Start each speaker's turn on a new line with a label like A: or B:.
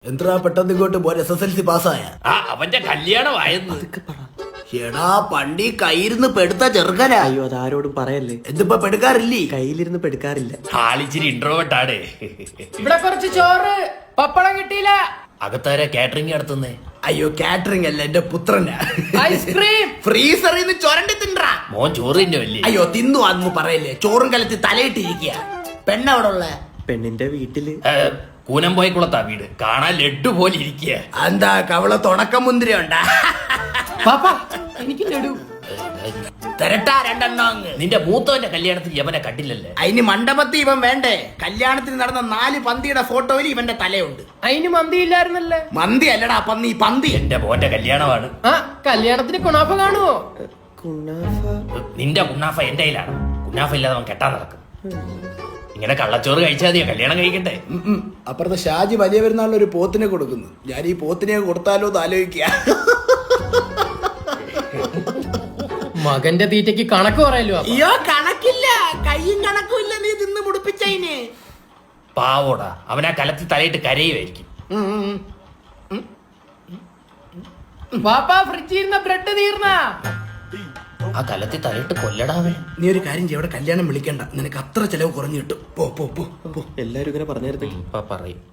A: എന്താ പെട്ടെന്ന് ഇങ്ങോട്ട് പോരെ? SSLC പാസ്സായ
B: അവന്റെ കല്യാണമായെന്ന്.
A: എടാ പണ്ടി കയ്യിരുന്ന് പെടുത്ത ചെറുക്കനാ.
C: അയ്യോ അതാരോടും പറയല്ലേ.
A: എന്തിപ്പോ പെടുക്കാറില്ലേ?
C: കയ്യിലിരുന്ന് പെടുക്കാറില്ല.
B: ആളിച്ചിരി ഇൻട്രോവേർട്ടാണ്.
D: ഇവിടെ കുറച്ച് ചോറ് പപ്പടം കിട്ടിയില്ല.
B: അകത്താര കാറ്ററിംഗ് നടത്തുന്നേ?
A: അയ്യോ കാറ്ററിംഗ് അല്ല, എന്റെ പുത്രനാ.
D: ഐസ്ക്രീം
A: ഫ്രീസറിൽ നിന്ന് ചൊരണ്ടി തിണ്ടാ.
B: മോൻ ചോറ് തിന്നുമല്ലേ?
A: അയ്യോ തിന്നു അതൊന്നും പറയല്ലേ. ചോറും കലത്തി തലയിട്ടിരിക്കുക. പെണ്ണവിടെ ഉള്ള
C: പെണ്ണിന്റെ വീട്ടില്.
B: കൂനംപോയക്കുളത്താ വീട്. കാണാൻ ലഡ്ഡു പോലെ ഇരിക്കുക.
A: എന്താ കവള തുടക്കം മുന്തിരി ഉണ്ടാ?
D: പാപ്പ എനിക്ക് ലഡു
A: തരട്ടാ രണ്ടെണ്ണം അങ്ങ്.
B: നിന്റെ മൂത്തവന്റെ കല്യാണത്തിന് യവനെ കണ്ടില്ലല്ലേ?
A: അതിന് മണ്ഡപത്തിൽ ഇവൻ വേണ്ടേ? കല്യാണത്തിന് നടന്ന 4 പന്തിയുടെ ഫോട്ടോയിൽ ഇവന്റെ തലയുണ്ട്.
D: അതിന് മന്തി ഇല്ലായിരുന്നല്ലേ?
A: മന്തി അല്ലടാ പന്നി, പന്തി.
B: എന്റെ മോന്റെ കല്യാണമാണ്.
D: ആ കല്യാണത്തിന് കുണാഫ കാണുവോ?
C: കുണാഫ.
B: നിന്റെ കുണ്ണാഫ എന്റെ കയ്യിലാണ്. കുണ്ണാഫ ഇല്ലാതെ അവൻ കെട്ടാൻ നടക്കും. ഇങ്ങനെ കള്ളച്ചോറ് കഴിച്ചാൽ മതിയോ കല്യാണം കഴിക്കട്ടെ?
A: അപ്പുറത്തെ ഷാജി വലിയ പെരുന്നാളിന് ഒരു പോത്തിനെ കൊടുക്കുന്നു. ഞാൻ ഈ പോത്തിനെ കൊടുത്താലോ എന്ന് ആലോചിക്കുക.
D: മകന്റെ തീറ്റയ്ക്ക് കണക്ക് പറയല്ലോ.
A: അയ്യോ കണക്കില്ല, കയ്യും കണക്കും ഇല്ല. നീ തിന്ന് മുടിപ്പിച്ചതിന്
B: പാവോടാ, അവനാ കലത്തിൽ തലയിട്ട് കരയുമായിരിക്കും.
D: പാപ്പ ഫ്രിഡ്ജിൽ ഇരുന്ന ബ്രെഡ് തീർന്നാ.
B: ആ കലത്തിൽ തലയിട്ട് കൊല്ലടാവേ.
A: നീ ഒരു കാര്യം ചെയ്യ, അവിടെ കല്യാണം വിളിക്കണ്ട. നിനക്ക് അത്ര ചെലവ് കുറഞ്ഞു കിട്ടും. പോ പോ പോ പോ.
C: എല്ലാരും ഇങ്ങനെ പറഞ്ഞായിരുന്നു.
B: ഇപ്പൊ പറയും.